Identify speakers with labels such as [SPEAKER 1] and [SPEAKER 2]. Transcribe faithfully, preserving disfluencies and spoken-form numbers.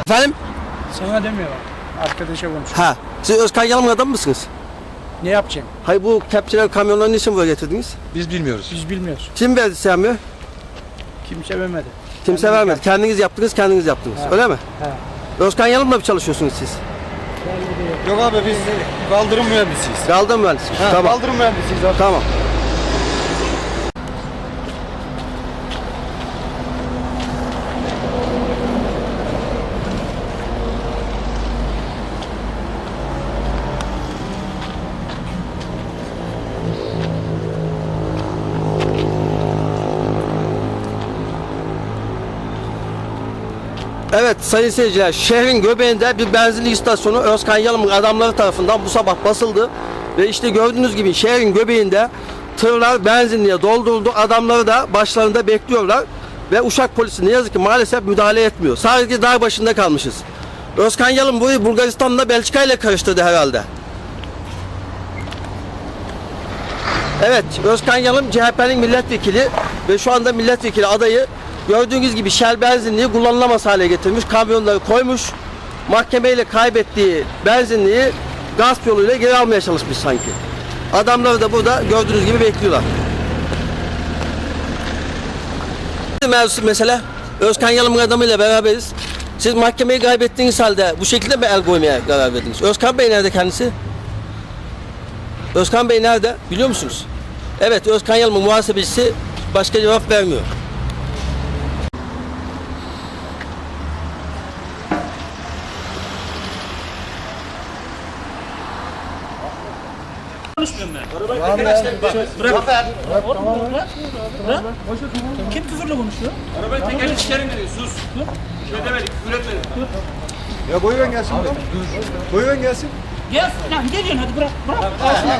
[SPEAKER 1] Efendim?
[SPEAKER 2] Sana demiyorlar. Arkadaşa konuşuyor.
[SPEAKER 1] Ha. Siz Özkan Yalım'ın adam mısınız?
[SPEAKER 2] Ne yapacağım?
[SPEAKER 1] Hayır, bu kepçeler, kamyonları niçin buraya getirdiniz?
[SPEAKER 3] Biz bilmiyoruz.
[SPEAKER 2] Biz bilmiyoruz.
[SPEAKER 1] Kim verdi sevmiyor?
[SPEAKER 2] Kimse vermedi.
[SPEAKER 1] Kimse
[SPEAKER 2] Kendimiz
[SPEAKER 1] vermedi.
[SPEAKER 2] yaptık.
[SPEAKER 1] Kendiniz yaptınız, kendiniz yaptınız.
[SPEAKER 2] Ha.
[SPEAKER 1] Öyle mi?
[SPEAKER 2] He.
[SPEAKER 1] Özkan Yalım'la mı çalışıyorsunuz siz?
[SPEAKER 3] Yok abi biz kaldırım mühendisiyiz.
[SPEAKER 1] Kaldırım mühendisi.
[SPEAKER 3] Ha,
[SPEAKER 1] Tamam.
[SPEAKER 3] Kaldırım mühendisiyiz abi.
[SPEAKER 1] Tamam. Evet sayın seyirciler, şehrin göbeğinde bir benzinlik istasyonu Özkan Yalım'ın adamları tarafından bu sabah basıldı. Ve işte gördüğünüz gibi şehrin göbeğinde tırlar benzinliğe dolduruldu. Adamları da başlarında bekliyorlar. Ve Uşak polisi ne yazık ki maalesef müdahale etmiyor. Sadece dağ başında kalmışız. Özkan Yalım burayı Bulgaristan'la Belçika ile karıştırdı herhalde. Evet, Özkan Yalım C H P'nin milletvekili ve şu anda milletvekili adayı. Gördüğünüz gibi Shell benzinliği kullanılamaz hale getirmiş, kamyonları koymuş, mahkemeyle kaybettiği benzinliği gasp yoluyla geri almaya çalışmış sanki. Adamları da burada gördüğünüz gibi bekliyorlar. Mevzusu mesela Özkan Yalım'ın adamıyla beraberiz. Siz mahkemeyi kaybettiğiniz halde bu şekilde mi el koymaya karar verdiniz? Özkan Bey nerede kendisi? Özkan Bey nerede? Biliyor musunuz? Evet, Özkan Yalım'ın muhasebecisi başka cevap vermiyor.
[SPEAKER 4] Konuşmuyorum ben. Arabayı bırak. Bırak. Bırak. Kim küfürle konuşuyor? Arabayı tekerle çıkarın dedi. Sus. Bir şey demedik. Küfür etmedik.
[SPEAKER 3] Ya buyurun gelsin. Buyurun gelsin.
[SPEAKER 4] Gel. Lan ne diyorsun hadi bırak. Bırak.